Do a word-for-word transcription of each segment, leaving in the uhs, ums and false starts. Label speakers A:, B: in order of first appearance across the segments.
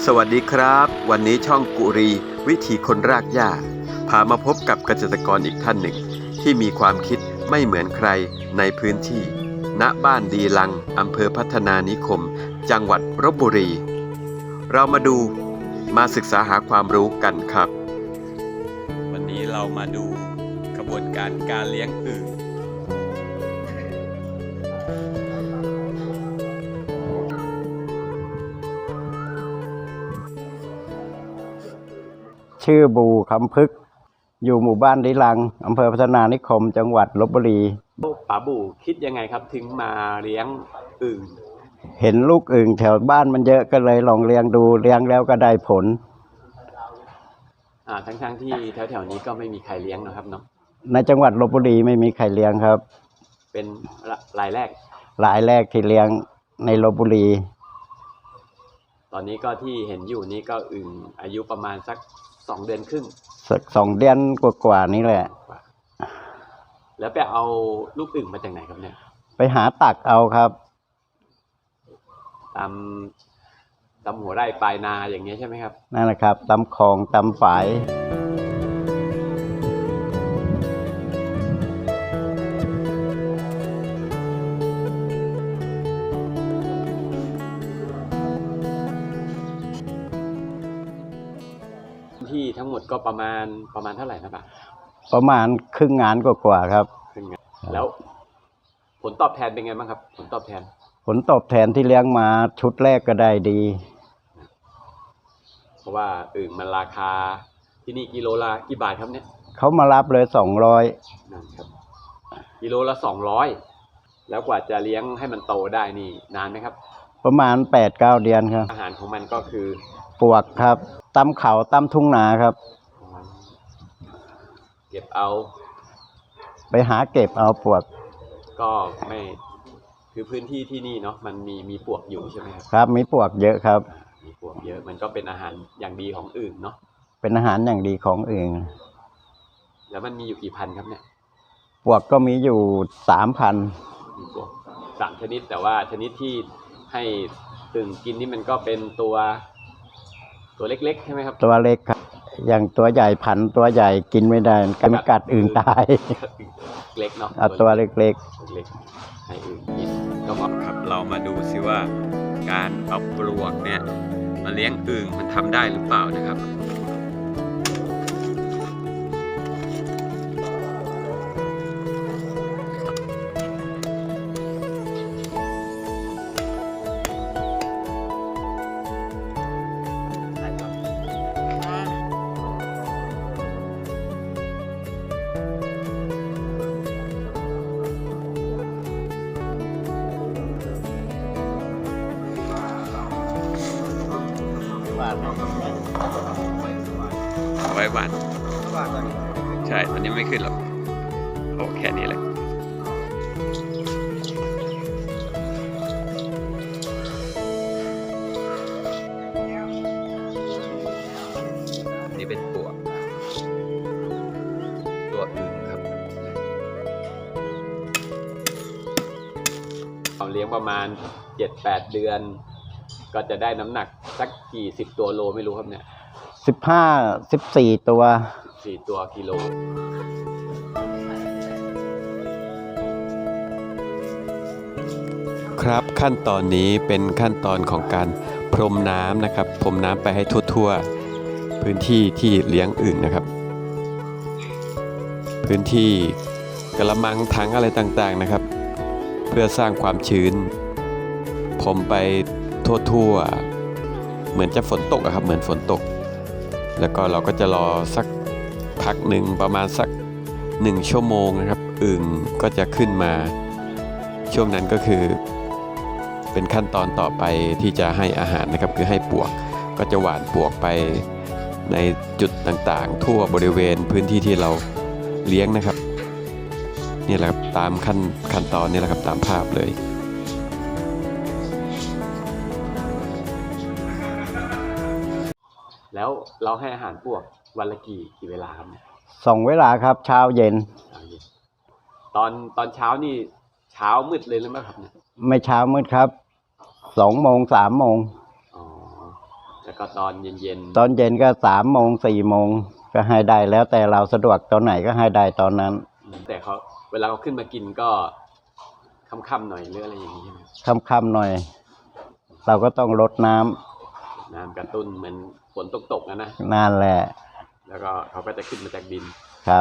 A: สวัสดีครับวันนี้ช่องกุรีวิถีคนรากหญ้าพามาพบกับเกษตรกรอีกท่านหนึ่งที่มีความคิดไม่เหมือนใครในพื้นที่ณบ้านดีลังอำเภอพัฒนานิคมจังหวัดลพบุรีเรามาดูมาศึกษาหาความรู้กันครับวันนี้เรามาดูกระบวนการการเลี้ยงอึ่ง
B: ชื่อบูคำพึกอยู่หมู่บ้านดิลังอำเภอพัฒนานิคมจังหวัดลพบุรี
A: ป๋าบูคิดยังไงครับถึงมาเลี้ยงอึ่ง
B: เห็นลูกอึ่งแถวบ้านมันเยอะก็เลยลองเลี้ยงดูเลี้ยงแล้วก็ได้ผล
A: อ่าทั้งๆ ท, ที่แถวๆนี้ก็ไม่มีใครเลี้ยงนะครับเนาะ
B: ในจังหวัดลพบุรีไม่มีใครเลี้ยงครับ
A: เป็นรายแรก
B: รายแรกที่เลี้ยงในลพบุรี
A: ตอนนี้ก็ที่เห็นอยู่นี้ก็อึ่งอายุประมาณสักสองเดือนครึ่ง
B: สักสองเดือนกว่าๆนี้แหละ
A: แล้วไปเอาลูกอึ่งมาจากไหนครับเนี่ย
B: ไปหาตักเอาครับ
A: ตามตามหัวไร่ปลายนาอย่างเงี้ยใช่ไหมครับ
B: นั่นแหละครับตามคลองตามฝาย
A: ที่ทั้งหมดก็ประมาณประมาณเท่าไหร่นะป่ะ
B: ประมาณครึ่งงานกว่าๆครับ
A: ครึ่งงานแล้วผลตอบแทนเป็นไงบ้างครับผลตอบแทน
B: ผลตอบแทนที่เลี้ยงมาชุดแรกก็ได้ดี
A: เพราะว่าอึ่งมันราคาที่นี่กิโลละกี่บาทครับเนี่ย
B: เขามารับเลยสองร้อย
A: นั่นครับกิโลละสองร้อยแล้วกว่าจะเลี้ยงให้มันโตได้นี่นานไหมครับ
B: ประมาณแปดเก้าเดือนครับ
A: อาหารของมันก็คือ
B: ปวกครับตำเขาตำทุ่งนาครับ
A: เก็บเอา
B: ไปหาเก็บเอาปวก
A: ก็ไม่คือพื้นที่ที่นี่เนาะมันมีมีปวกอยู่ใช่ไหมครับ
B: ครับมีปวกเยอะครับ
A: มีปวกเยอะมันก็เป็นอาหารอย่างดีของอึ่งเนาะ
B: เป็นอาหารอย่างดีของอึ่ง
A: แล้วมันมีอยู่กี่พันครับเนี่ย
B: ปวกก็มีอยู่สามพัน
A: มีปวกสามชนิดแต่ว่าชนิดที่ให้อึ่งกินนี่มันก็เป็นตัวตัวเล็กๆใช่ไหมครับ
B: ตัวเล็กครับอย่างตัวใหญ่พันตัวใหญ่กินไม่ได้กันกัดอึ่งตาย
A: เล็กเนาะ
B: เอาตัวเล็กๆเ
A: ล็กให้อึ่งกินก็เหมาะครับเรามาดูซิว่าการเอาปลวกเนี่ยมาเลี้ยงอึ่งมันทำได้หรือเปล่านะครับไว้วันใช่ตอนนี้ไม่ขึ้นหรอกโอ้แค่นี้แหละนี่เป็นปวกตัวอึ่งครับเราเลี้ยงประมาณ เจ็ดแปด เดือนก็จะได้น้ำหนักสักกี่สิบตัวโลไม่รู้ครับเนี่ย
B: สิบห้า สิบสี่ตัว
A: สี่ตัวกิโลครับขั้นตอนนี้เป็นขั้นตอนของการพรมน้ำนะครับพรมน้ำไปให้ทั่วๆพื้นที่ที่เลี้ยงอึ่งนะครับพื้นที่กระมังถังอะไรต่างๆนะครับเพื่อสร้างความชื้นพรมไปทั่วๆเหมือนจะฝนตกอะครับเหมือนฝนตกแล้วก็เราก็จะรอสักพักหนึ่งประมาณสักหนึ่งชั่วโมงนะครับอึ่งก็จะขึ้นมาช่วงนั้นก็คือเป็นขั้นตอนต่อไปที่จะให้อาหารนะครับคือให้ปวกก็จะหว่านปวกไปในจุดต่างๆทั่วบริเวณพื้นที่ที่เราเลี้ยงนะครับนี่แหละครับตามขั้นขั้นตอนนี่แหละครับตามภาพเลยแล้วเราให้อาหารปวกวันละกี่กี่เวลาครับ
B: สองเวลาครับเช้าเย็น
A: ตอนตอนเช้านี่เช้ามืดเลยหรือไม่ครับเนี่ย
B: ไม่เช้ามืดครับสองโมงสามโมง
A: อ๋อแต่แล้วก็ตอนเย็นๆ
B: ตอนเย็นก็สามโมงสี่โมงก็ให้ได้แล้วแต่เราสะดวกตอนไหนก็ให้ได้ตอนนั้น
A: แต่เขาเวลาเขาขึ้นมากินก็ค่ำๆหน่อยหรืออะไรอย่างนี้ใช่ไหม
B: ค่ำๆหน่อย เราก็ต้องรดน้ำ
A: น้ำกระตุ้นเหมือนฝนตกๆนะนะ
B: นั่นแหละ
A: แล้วก็เขาก็จะขึ้นมาจากดิน
B: ครับ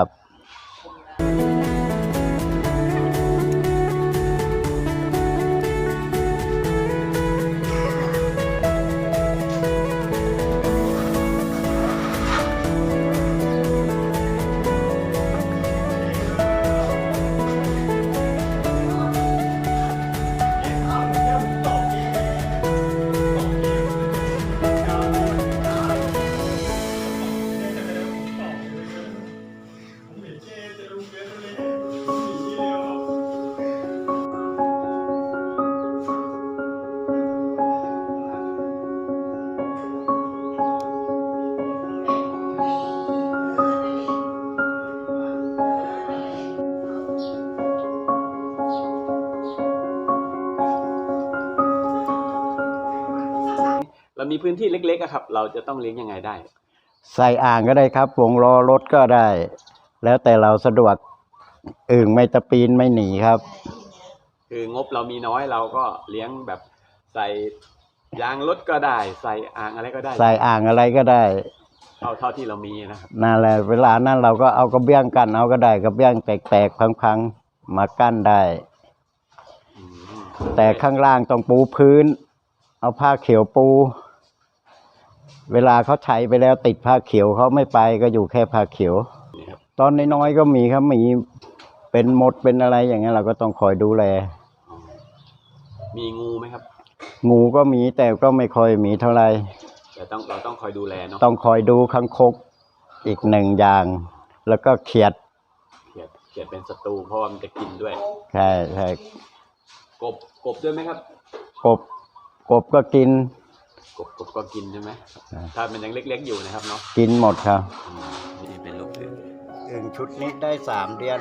A: เรามีพื้นที่เล็กๆอะครับ เราจะต้องเลี้ยงยังไงได้
B: ใส่อ่างก็ได้ครับวงล้อรถก็ได้ แล้วแต่เราสะดวกอึ่งไม่ตะปีนไม่หนีครับ
A: คืองบเรามีน้อยเราก็เลี้ยงแบบใส่ยางรถก็ได้ ใส่อ่างอะไรก็ได้
B: ใส่อ่างอะไรก็ได้
A: เท่าเท่าที่เรามีนะครับ
B: นั่นแหละเวลานั้นเราก็เอากระเบื้องกั้นเอาก็ได้กระเบื้องแตกๆพังๆมากั้นได้
A: อืม
B: แต่ข้างล่างต้องปูพื้น เอาผ้าเขียวปู เวลาเขาใช้ไปแล้วติดผ้าเขียวเขาไม่ไปก็อยู่แค่ผ้าเขียว
A: นี่ครับ
B: ตอนน้อยๆก็มีครับมีเป็นมดเป็นอะไรอย่างเงี้ยเราก็ต้องคอยดูแล
A: อ๋อมีงูไหมครับ
B: งูก็มีแต่ก็ไม่ค่อยมีเท่าไหร่
A: แต่ต้องเราต้องคอยดูแลเนาะ
B: ต้องคอยดูคังคกอีกหนึ่งอย่าง แล้วก็เขียด
A: เขียดเขียดเป็นศัตรูเพราะว่ามันจะกินด้วย
B: ใช่ใช่
A: กบกบด้วยไหมครับ
B: กบกบก็กิน
A: กบกบก็กินใช่ไหม
B: อ่า
A: ถ้ามันยังเล็กๆอยู่นะครับเนาะ
B: กินหมดครับ
A: อืมนี่เป็นลูกอึ่ง
B: อึ่งชุดนี้ได้สามเดือน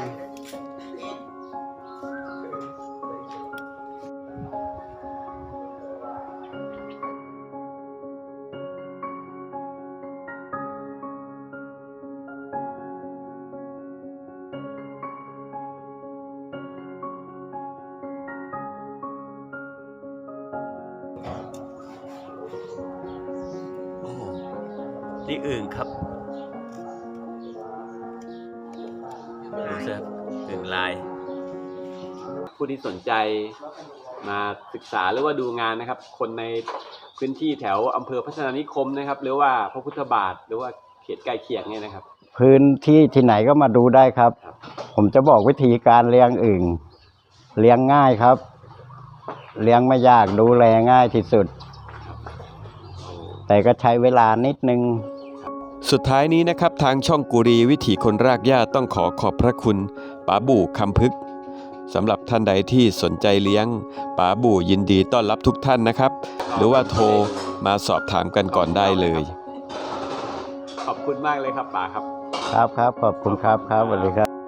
A: โอ้นี่อึ่งครับดูสิครับอึ่งลาย ผู้ที่สนใจมาศึกษาหรือว่าดูงานนะครับ คนในพื้นที่แถวอำเภอพัฒนานิคมนะครับ หรือว่าพระพุทธบาทหรือว่าเขตใกล้เคียงเนี่ยนะครับ
B: พื้นที่ที่ไหนก็มาดูได้ครับ
A: ครับ
B: ผมจะบอกวิธีการเลี้ยงอึ่งเลี้ยงง่ายครับ เลี้ยงไม่ยากดูแลง่ายที่สุด แต่ก็ใช้เวลานิดนึง
A: สุดท้ายนี้นะครับทางช่องกุรีวิถีคนรากหญ้าต้องขอขอบพระคุณป๋าบู่คำพึกสำหรับท่านใดที่สนใจเลี้ยงป๋าบู่ยินดีต้อนรับทุกท่านนะครับ หรือว่าโทรมาสอบถามกันก่อนได้เลย ขอบคุณมากเลยครับป๋าครับ
B: ครับครับขอบคุณครับครับสวัสดีครับ